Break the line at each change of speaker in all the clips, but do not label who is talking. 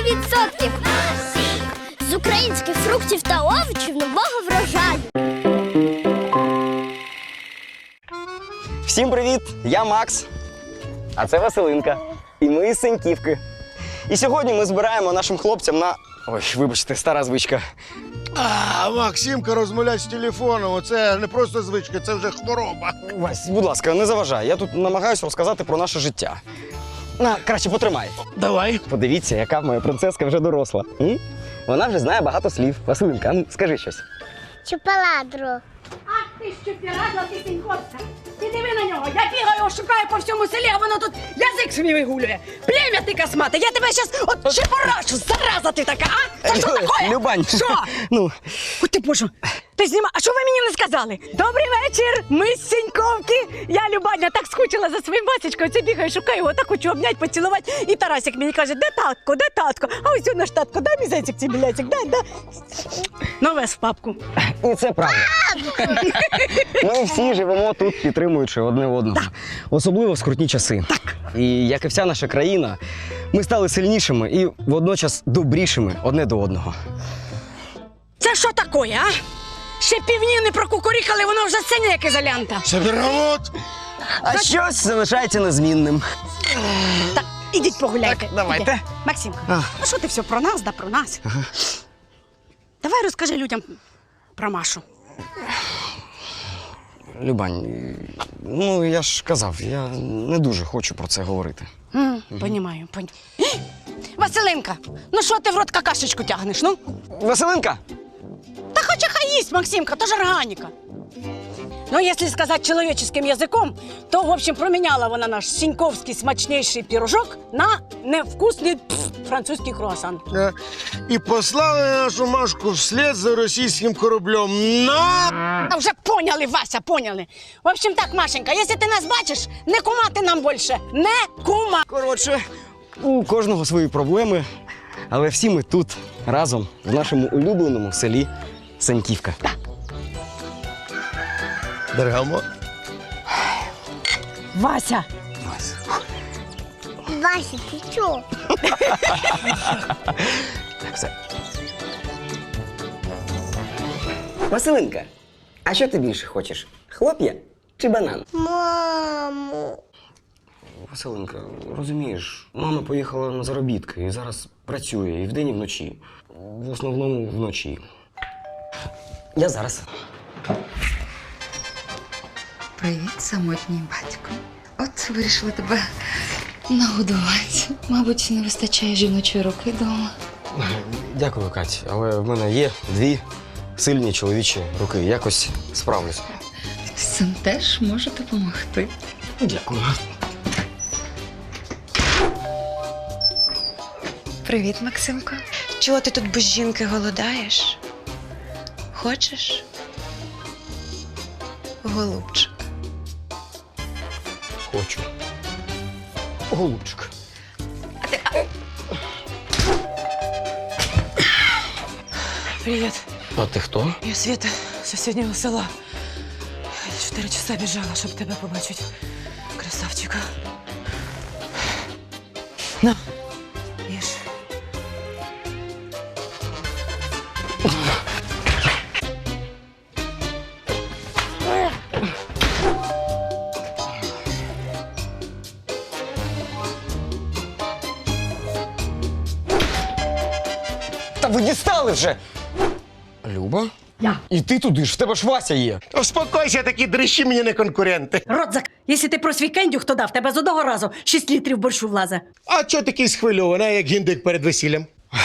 100%! З українських фруктів та овочів нового врожаю.
Всім привіт! Я Макс, а це Василинка. І ми з Сеньківки. І сьогодні ми збираємо нашим хлопцям на... Ой, вибачте, стара звичка.
Максимка розмовляє з телефоном. Оце не просто звичка, це вже хвороба.
Вась, будь ласка, не заважай. Я тут намагаюся розказати про наше життя. Краще потримай.
Давай.
Подивіться, яка моя принцеска вже доросла. Вона вже знає багато слів. Василинка, скажи щось.
Чупаладру.
Ах ти що пірадла, ти сіньковська! Ти диви на нього! Я бігаю, шукаю по всьому селі, а воно тут язик свій вигулює! Плем'я ти космате! Я тебе щас от чепорашу! Зараза ти така, а? Це що таке?
Любань.
Що? Ой ти боже! Ти зніма... А що ви мені не сказали? Добрий вечір! Ми з Сіньковки! Я, Любаня, так скучила за своїм Васечкою. Це бігаю, шукаю його, так хочу обнять, поцілувати. І Тарасик мені каже, де татко, де татко? А ось наш татко, дай мій зайчик цей біляцик, дай. Новес в папку.
І це правда. Ми всі живемо тут, підтримуючи одне одного. Особливо в скрутні часи. Так. І як і вся наша країна, ми стали сильнішими і водночас добрішими одне до одного.
Це що таке, а? Ще півні не прокукурікали, воно вже синя, як ізолянта.
Це берегот.
А щось залишається незмінним.
Так, ідіть погуляйте.
Так, давайте.
Ідіть. Максимка, ну що ти все про нас, да про нас? Ага. Давай розкажи людям про Машу.
Любань, я ж казав, я не дуже хочу про це говорити.
Понімаю. Василинка, ну що ти в рот какашечку тягнеш, ну?
Василинка!
Та хоча хай їсть, Максимка, то ж органіка. Ну, якщо сказати чоловіческим язиком, то, в общем, проміняла вона наш сіньковський смачніший пірожок на невкусний французький круасан.
І послали нашу Машку вслед за російським кораблем.
А вже поняли, Вася, поняли. В общем так, Машенька, якщо ти нас бачиш, не кумати нам більше. Не кума.
Коротше, у кожного свої проблеми, але всі ми тут, разом, в нашому улюбленому селі Сеньківка.
Бергамо.
Вася.
Вася, ти чого?
Так, все. Василинка, а що ти більше хочеш? Хлоп'я чи банан?
Мамо.
Василинка, розумієш, мама поїхала на заробітки і зараз працює і вдень, і вночі. В основному вночі. Я зараз.
Привіт, самотній батько. От вирішила тебе нагодувати. Мабуть, не вистачає жіночої руки вдома.
Дякую, Кать, але в мене є дві сильні чоловічі руки. Якось справлюсь.
Син теж може допомогти.
Дякую.
Привіт, Максимко. Чого ти тут без жінки голодаєш? Хочеш? Голубчик.
Хочу. Голубчик.
Привіт.
А ти хто?
Я Света з сусіднього села. 4 часа біжала, щоб тебе побачити. Красавчика. На, їж.
Та ви дістали вже! Люба?
Я.
І ти туди ж, в тебе ж Вася є.
Успокойся, такі дрищі мені не конкуренти.
Рот зак... Якщо ти про свій кендюх, то дав тебе з одного разу 6 літрів борщу влазе.
А чого такий схвильований, як гіндик перед весіллям?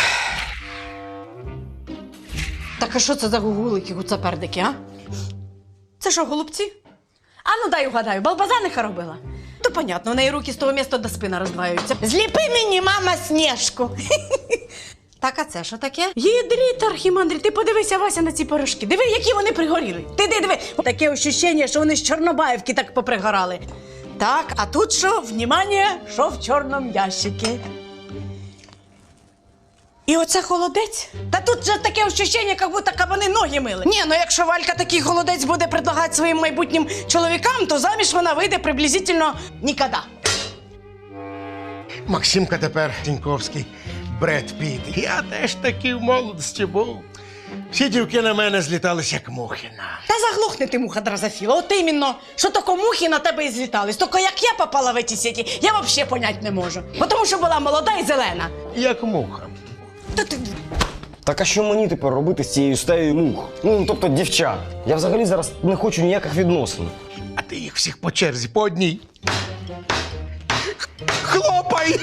Так а що це за гугулики, гуцапердики, а? Це що, голубці? А ну дай угадаю, балбазаниха робила? То понятно, у неї руки з того міста до спина роздваюються. Зліпи мені, мама, Снежку. Так, а це що таке? Єдріт, архімандрі, ти подивися, Вася, на ці пирожки. Диви, які вони пригоріли. Ти диви. Таке ощущення, що вони з Чорнобаївки так попригорали. Так, а тут що? Внимание, що в чорному ящикі. І оце холодець? Та тут же таке ощущення, як будто кабани ноги мили. Ні, ну якщо Валька такий холодець буде предлагати своїм майбутнім чоловікам, то заміж вона вийде приблизительно ніколи.
Максимка тепер Сіньковський. Бред Піт. Я теж таки в молодості був. Всі дівки на мене злітались, як мухи на.
Та заглохни ти, муха дрозофіла. От іменно, що тако мухи на тебе і злітались. Тільки як я попала в ці сіті, я взагалі понять не можу. Бо тому що була молода і зелена.
Як муха.
Та ти...
Так а що мені тепер робити з цією стаєю мух? Ну, тобто дівчат. Я взагалі зараз не хочу ніяких відносин.
А ти їх всіх по черзі, по одній. Хлопай!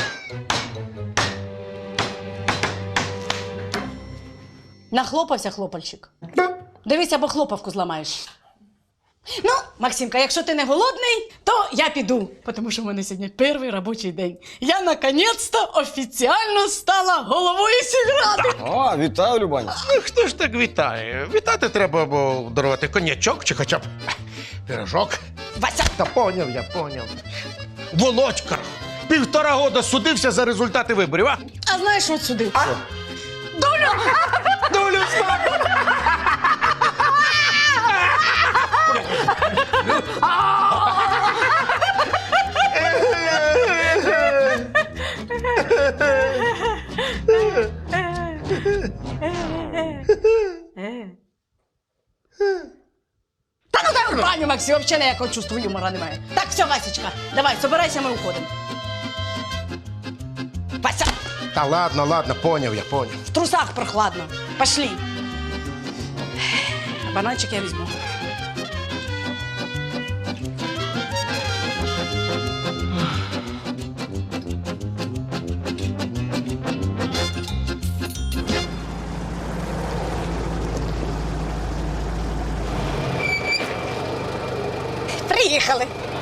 Нахлопався хлопальчик. Дивись, або хлопавку зламаєш. Ну, Максимка, якщо ти не голодний, то я піду, тому що в мене сьогодні перший робочий день. Я наконець-то офіціально стала головою сільради.
А, вітаю, Любаня.
Ну, хто ж так вітає? Вітати треба або дарувати коньячок чи хоча б пирожок.
Вася!
Та поняв, я поняв. Володька 1,5 года судився за результати виборів, а?
А знаєш, що судив?
Долю знаю!
Та ну дай в баню, Максим, взагалі ніякого чувства юмора немає. Так, все, Васечка, давай, собирайся, ми уходимо. Вася,
Та ладно, поняв, я поняв.
в трусах прохладно. Пошли. Бананчик я візьму. Приїхали.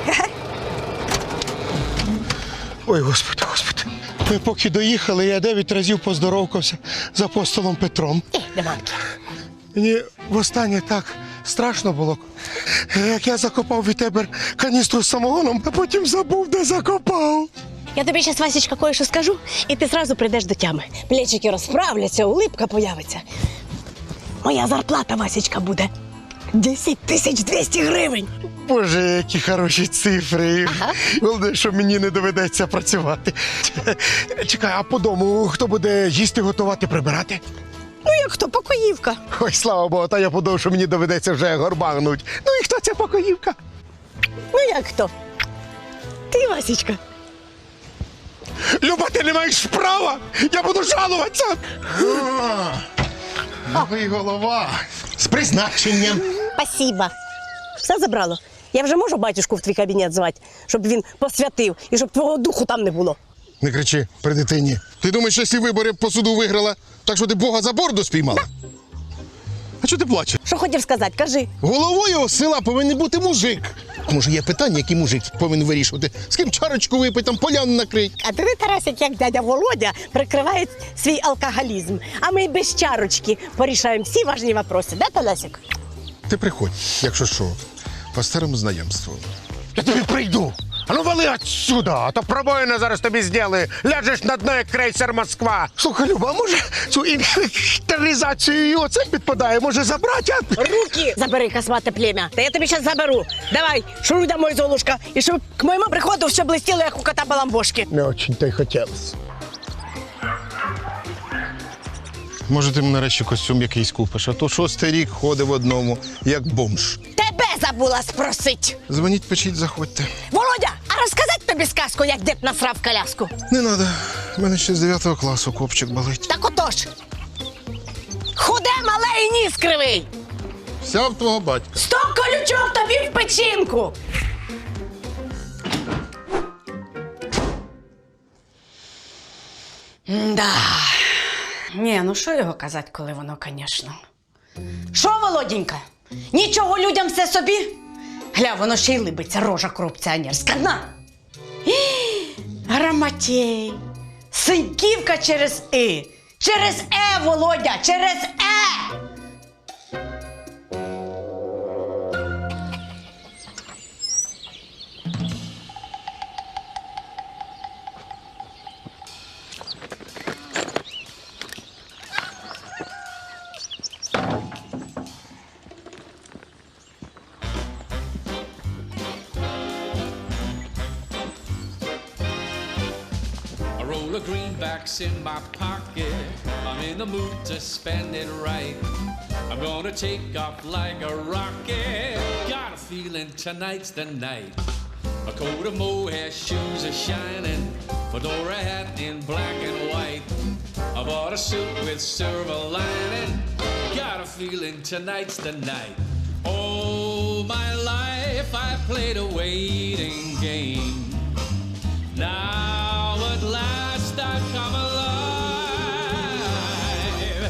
Ой, господи. Ми поки доїхали, я 9 разів поздоровкався з апостолом Петром. Мені востаннє так страшно було, як я закопав від тебе каністру з самогоном, а потім забув, де закопав.
Я тобі зараз, Васечка, кое-що скажу, і ти зразу прийдеш до тями. Плечики розправляться, улипка появиться. Моя зарплата, Васечка, буде 10 200 гривень.
Боже, які хороші цифри. Головне, що мені не доведеться працювати. Чекай, а по дому хто буде їсти, готувати, прибирати?
Ну як хто, покоївка.
Ой, слава Богу, та я подумав, що мені доведеться вже горбагнуть. Ну і хто ця покоївка?
Ну як хто? Ти, Васечка.
Люба, ти не маєш права! Я буду жалуватися! Новий голова. З призначенням.
Спасибо. Все забрало. Я вже можу батюшку в твій кабінет звати, щоб він посвятив і щоб твого духу там не було.
Не кричи при дитині. Ти думаєш, що якщо вибори по суду виграла, так що ти Бога за борду спіймала? А чого ти плачеш?
Що хотів сказати, кажи.
Головою села повинен бути мужик. Може, є питання, які мужик повинен вирішувати? З ким чарочку випити, там поляну накрить?
А ти, Тарасик, як дядя Володя, прикриває свій алкоголізм. А ми без чарочки порішаємо всі важні вопроси. Да, Тарасик?
Ти приходь, якщо що, по старому знайомству.
Я тобі прийду. А ну вали отсюда, а то пробоїна зараз тобі зробили. Ляжеш на дно, як крейсер Москва. Слухай, Люба, а може цю інвентаризацію і оце підпадає, може забрати?
Руки забери, космате племя. Та я тобі зараз заберу. Давай, шуруй домой, Золушка. І щоб к моєму приходу все блистіло, як у кота баламбошки.
Не очень-то й хотілося.
Може, ти нарешті костюм якийсь купиш, а то 6-й рік ходив в одному, як бомж.
Тебе забула спросить.
Дзвоніть, печіть, заходьте.
Володя, а розказати тобі сказку, як дід насрав коляску?
Не треба, в мене ще з 9 класу копчик болить.
Так отож. Худе, мале і ніс кривий.
Вся в твого батька.
Сто колючок тобі в печінку.
Да. Ні, ну що його казати, коли воно, звісно. Що, Володінька? Нічого людям все собі? Гля, воно ще й либиться, рожа корупціонерська. На! Грамотєй. Синьківка через «и». Через «е», Володя, через «е».
I roll a greenback bucks in my pocket. I'm in the mood to spend it right. I'm gonna take off like a rocket. Got a feeling tonight's the night. A coat of mohair, shoes are shining. Fedora hat in black and white. I bought a suit with silver lining. Got a feeling tonight's the night. All my life I played a waiting game. Now at last I come alive.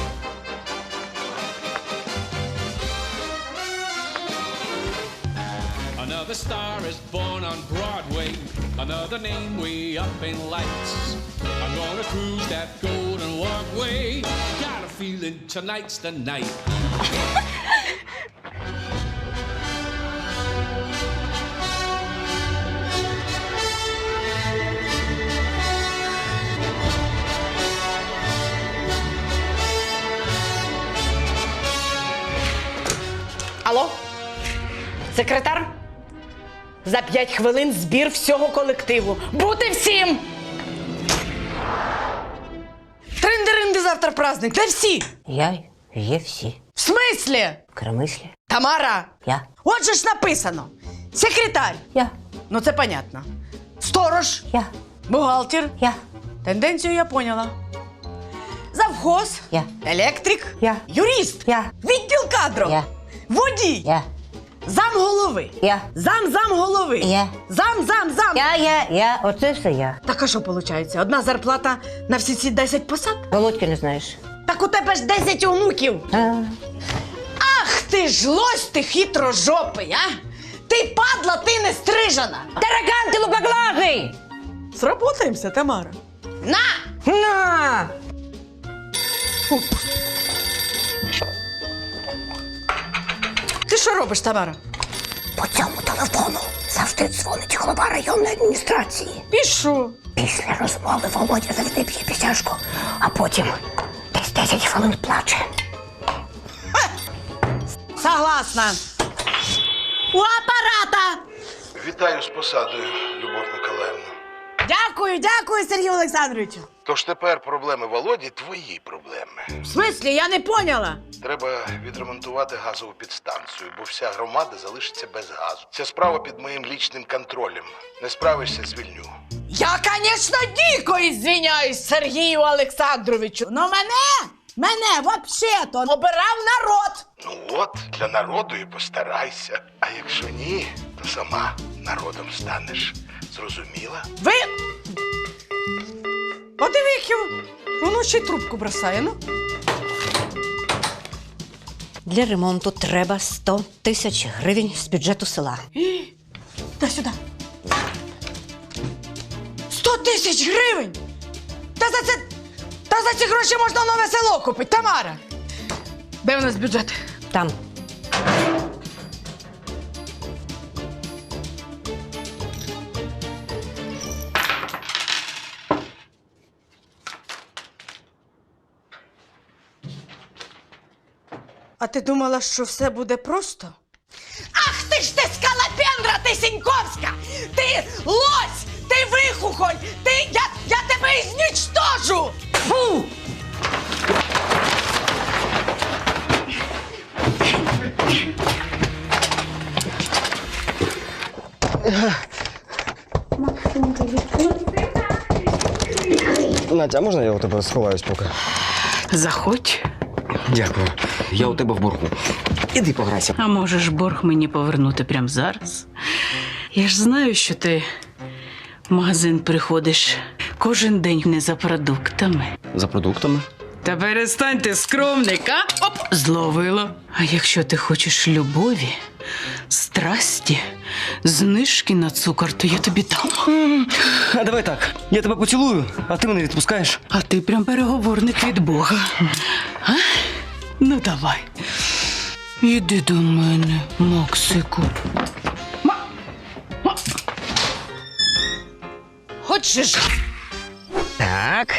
Another star is born on Broadway. Another name way up in lights. I'm gonna cruise that golden walkway. Got a feeling tonight's the night.
Алло? Секретар? За 5 хвилин збір всього колективу. Бути всім! Тринди-ринди завтра праздник. Де всі?
Є всі.
В смислі?
В кремислі.
Тамара?
Я.
От же ж написано. Секретар.
Я.
Ну це понятно. Сторож.
Я.
Бухгалтер.
Я.
Тенденцію я поняла. Завхоз.
Я.
Електрик.
Я.
Юрист.
Я.
Відділ кадрів.
Я.
Водій.
Я.
Замголови.
Я.
Замголови.
Я.
Зам.
Я. Оце все я.
Так а що виходить? Одна зарплата на всі ці 10 посад?
Володьки не знаєш.
Так у тебе ж 10 онуків. Ах ти ж лось ти хитрожопий, а? Ти падла, ти не стрижена.
Таракан, ти лупоглазий!
Сработаємося, Тамара. На!
На!
Ти що робиш, Тамара?
По цьому телефону завжди дзвонить голова районної адміністрації.
І що?
Після розмови Володя завжди п'є пісяшку, а потім десь 10 хвилин плаче.
Согласна. У апарата.
Вітаю з посадою, Любов Миколаївна.
Дякую, Сергію Олександровичу.
Тож тепер проблеми Володі твої проблеми.
В смислі, я не поняла.
Треба відремонтувати газову підстанцію, бо вся громада залишиться без газу. Ця справа під моїм лічним контролем. Не справишся, звільню.
Я, звісно, дико извиняюсь Сергію Олександровичу, но мене вообще-то обирав народ.
Ну от, для народу і постарайся. А якщо ні, то сама народом станеш. Зрозуміла?
Ви... Подивіться, воно ще й трубку бросає, ну.
Для ремонту треба 100 тисяч гривень з бюджету села.
Дай сюди. 100 тисяч гривень! Та за ці гроші можна нове село купити, Тамара! Де у нас бюджет?
Там.
А ти думала, що все буде просто? Ах ти ж ти скалопендра, ти Сіньковська! Ти лось! Ти вихухоль! Я тебе ізнічтожу! Фу!
Натя, а можна я у тебе сховаюсь поки?
Заходь.
Дякую. Я у тебе в боргу. Іди пограйся.
А можеш борг мені повернути прямо зараз? Я ж знаю, що ти в магазин приходиш кожен день не за продуктами.
За продуктами?
Та перестань ти скромник, а? Оп, зловила. А якщо ти хочеш любові, страсті, знижки на цукор, то я тобі дам.
А давай так. Я тебе поцілую, а ти мене відпускаєш.
А ти прям переговорник від Бога. А? Ну давай. Іди до мене, Максику.
Хочеш?
Так.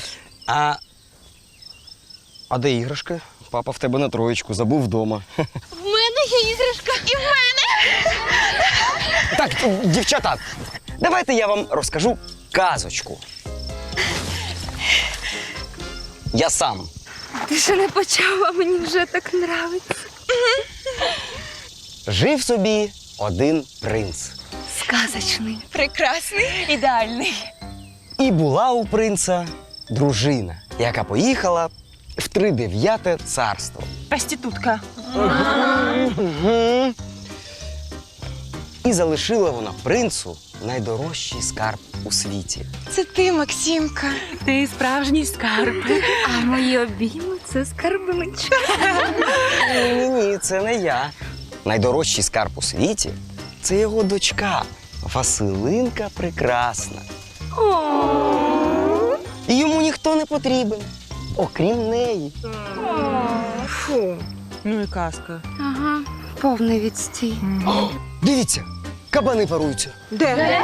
А де іграшки? Папа в тебе на троєчку, забув вдома.
В мене є іграшка і в мене.
Так, дівчата, давайте я вам розкажу казочку. Я сам.
Ти ще не почав, а мені вже так нравиться.
Жив собі один принц.
Сказочний, прекрасний, ідеальний.
І була у принца дружина, яка поїхала в 39-те царство.
Проститутка.
І залишила вона принцу найдорожчий скарб у світі.
Це ти, Максимка.
Ти справжній скарб.
А мої обійми – це скарбничка.
Ні, це не я. Найдорожчий скарб у світі – це його дочка Василинка Прекрасна. І йому ніхто не потрібен, окрім неї.
Фу.
Ну і казка.
Ага, повний відстій.
Дивіться, кабани паруються.
Де?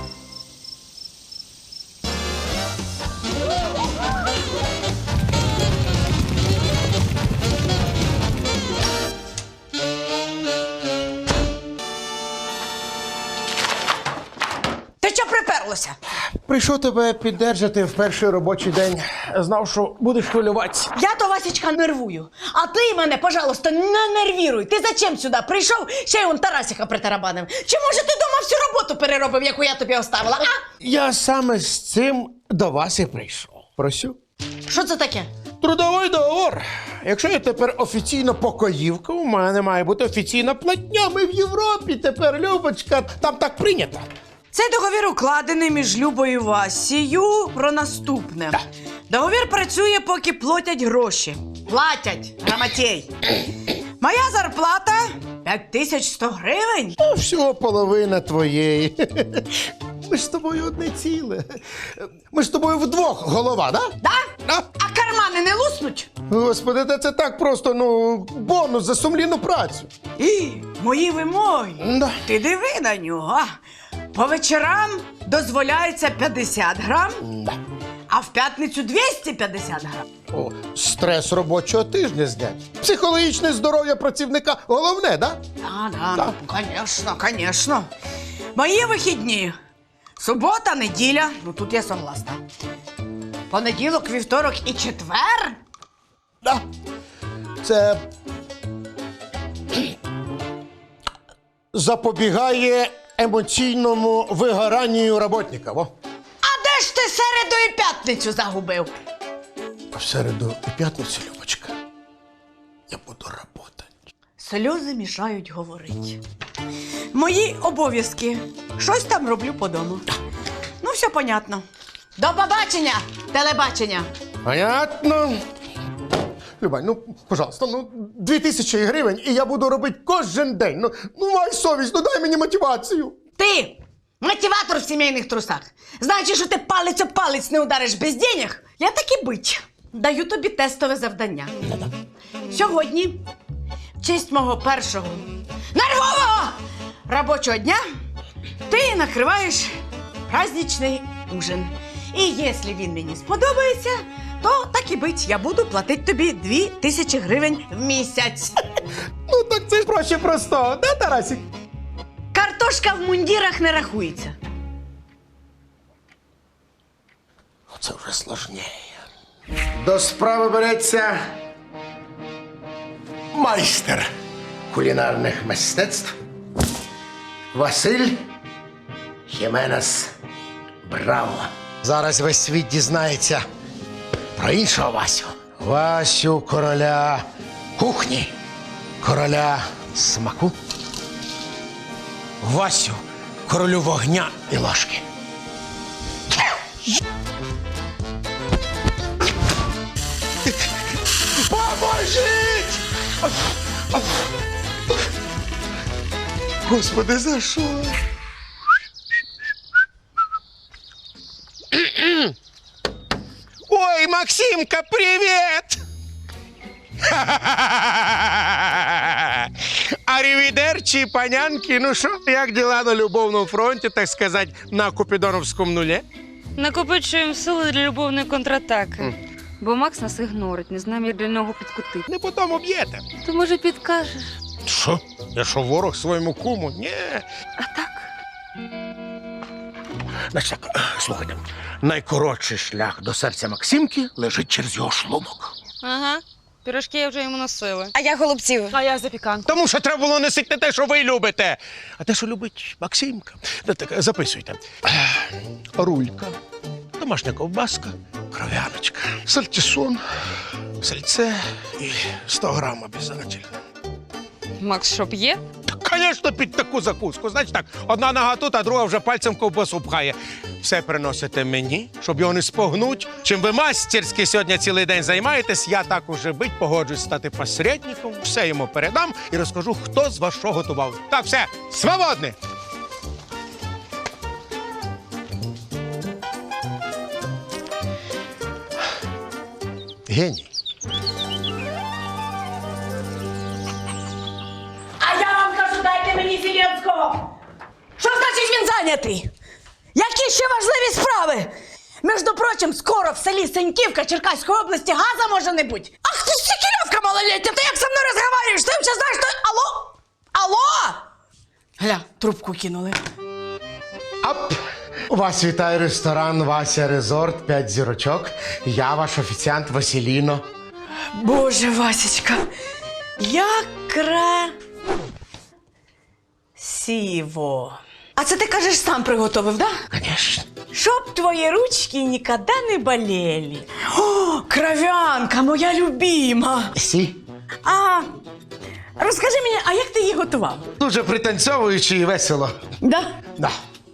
Ти що приперлося?
Прийшов тебе піддержати в перший робочий день. Знав, що будеш хвилюватися.
Я то Васечка нервую. А ти мене, пожалуйста, не нервіруй. Ти зачем сюди прийшов? Ще й он Тарасіка притарабанив. Чи може ти дома всю роботу переробив, яку я тобі оставила, а?
Я саме з цим до вас і прийшов. Просю.
Що це таке?
Трудовий договор. Якщо я тепер офіційно покоївка, у мене має бути офіційна платня. Ми в Європі тепер, Любочка, там так прийнято.
Цей договір укладений між Любою і Васією про наступне. Договір працює, поки платять гроші. Платять, грамотєй. Моя зарплата 5100 гривень.
А всього половина твоєї. Ми ж з тобою одне ціле. Ми ж з тобою вдвох голова, да?
Да?
Да?
А кармани не луснуть?
Господи, та це так просто, бонус за сумлінну працю.
І мої вимоги.
Да.
Ти диви на нього. По вечорам дозволяється 50 грам, а в п'ятницю 250 грам.
О, стрес робочого тижня знять. Психологічне здоров'я працівника головне, да?
Да, конечно, конечно. Мої вихідні. Субота, неділя. Ну тут я согласна. Понеділок, вівторок і четвер.
Да. Це запобігає емоційному вигоранню роботника. Во.
А де ж ти середу і п'ятницю загубив?
А в середу і п'ятницю, Любочка, я буду працювати.
Сльози мішають говорити. Мої обов'язки. Щось там роблю по дому. Ну, все понятно. До побачення, телебачення.
Понятно. Любань, пожалуйста, 2000 гривень, і я буду робити кожен день. Май совість, дай мені мотивацію.
Ти мотиватор в сімейних трусах. Значить, що ти палець об палець не удариш без денег? Я так і бить. Даю тобі тестове завдання. Сьогодні, в честь мого першого нервового робочого дня, ти накриваєш праздничний ужин. І якщо він мені сподобається, то так і бить, я буду платити тобі 2000 гривень в місяць.
Так це ж проще простого, да, Тарасик?
Картошка в мундірах не рахується.
Це вже сложніше. До справи береться майстер кулінарних мистецтв Василь Хіменес Браво. Зараз весь світ дізнається про іншого Васю. Васю короля кухні, короля смаку. Васю королю вогня і ложки. Поможіть! Господи, за що? Ой, Максимка, привіт! Арівідерчі, панянки, ну що, як діла на любовному фронті, так сказати, на Купідоновському нулі?
Накопичуємо сили для любовної контратаки. Бо Макс нас ігнорить, не знаємо, як для нього підкутити.
Не по тому б'єте.
То, може, підкажеш?
Що? Я що, ворог своєму куму? Ні.
А так?
Значить так, слухайте, найкоротший шлях до серця Максимки лежить через його шлунок.
Ага. Пірожки я вже йому носила.
А я голубців.
А я запіканку.
Тому що треба було носити не те, що ви любите, а те, що любить Максимка. Ну, так, записуйте. Рулька, домашня ковбаска, кров'яночка, сальтісон, сальце і 100 грам обов'язково.
Макс, що п'є?
Звісно, під таку закуску. Значить так, одна нога тут, а друга вже пальцем ковбасу пхає. Все приносите мені, щоб його не спогнуть. Чим ви мастерськи сьогодні цілий день займаєтесь, я так уже бить, погоджуюсь стати посередником, все йому передам і розкажу, хто з вас що готував. Так, все, свободні! Геній.
А я вам кажу, дайте мені Зеленського. Що значить він зайнятий? Які ще важливі справи? Між прочим, скоро в селі Сеньківка Черкаської області газа може не бути. Ах ти ж сікільовка малолетня, ти як зі мною розговорюєш? Ти взагалі знаєш, що... Алло? Алло? Гля, трубку кинули.
Ап! Вас вітає ресторан Вася Резорт, 5 зірочок. Я ваш офіціант Василіно.
Боже, Васечка, як красиво. А це ти кажеш, сам приготовив, да?
Конечно.
Щоб твої ручки ніколи не болели. О, кров'янка, моя любима.
Сі.
А розкажи мені, а як ти її готував?
Дуже пританцьовуючи і весело.
Да?
Да.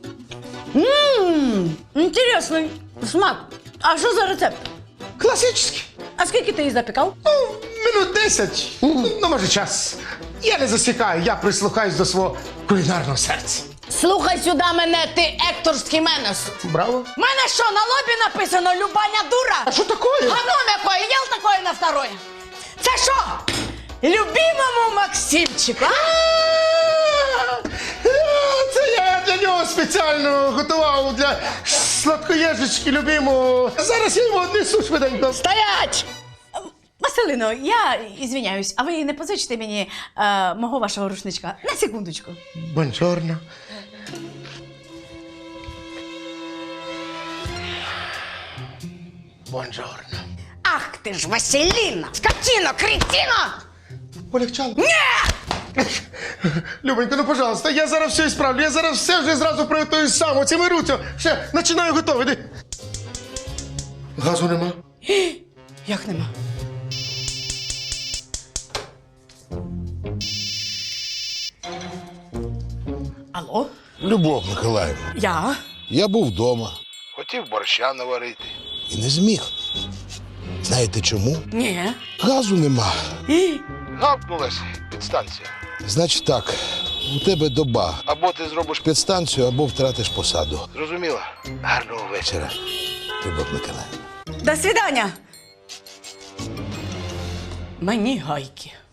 Інтересний смак. А що за рецепт?
Класичний.
А скільки ти її запікав?
Минут 10. Ну, може, час. Я не засікаю, я прислухаюсь до свого кулінарного серця.
Слухай сюди мене, ти екторський менес.
Браво.
У мене що, на лобі написано «Любаня дура»?
А що таке?
Говно якое, ел такое на второе. Це що? Любимому Максимчику, а?
Це я для нього спеціально готував для сладкоєжечки любимого. Зараз я йому однесу швиденько.
Стоять! Василино, я ізвиняюсь, а ви не позичите мені мого вашого рушничка? На секундочку.
Бонжорно. Бонжорно.
Ах ти ж, Василіна! Скотіно, кретіно!
Полегчало? Ні! Любонько, ну, пожалуйста, я зараз все ісправлю. Я зараз все вже зразу приготую сам. Оціми руцю. Ще, починаю готовий. Іди. Газу нема.
Як нема? Алло?
Любов Миколаївна,
Я
був вдома хотів борща наварити. і не зміг. Знаєте чому?
Ні.
Газу нема. Гавкнулась підстанція.
Значить так, у тебе доба.
Або ти зробиш
Підстанцію, або втратиш посаду.
Зрозуміла? Гарного вечора.
Любов Миколаївна.
До свидання. Мені гайки.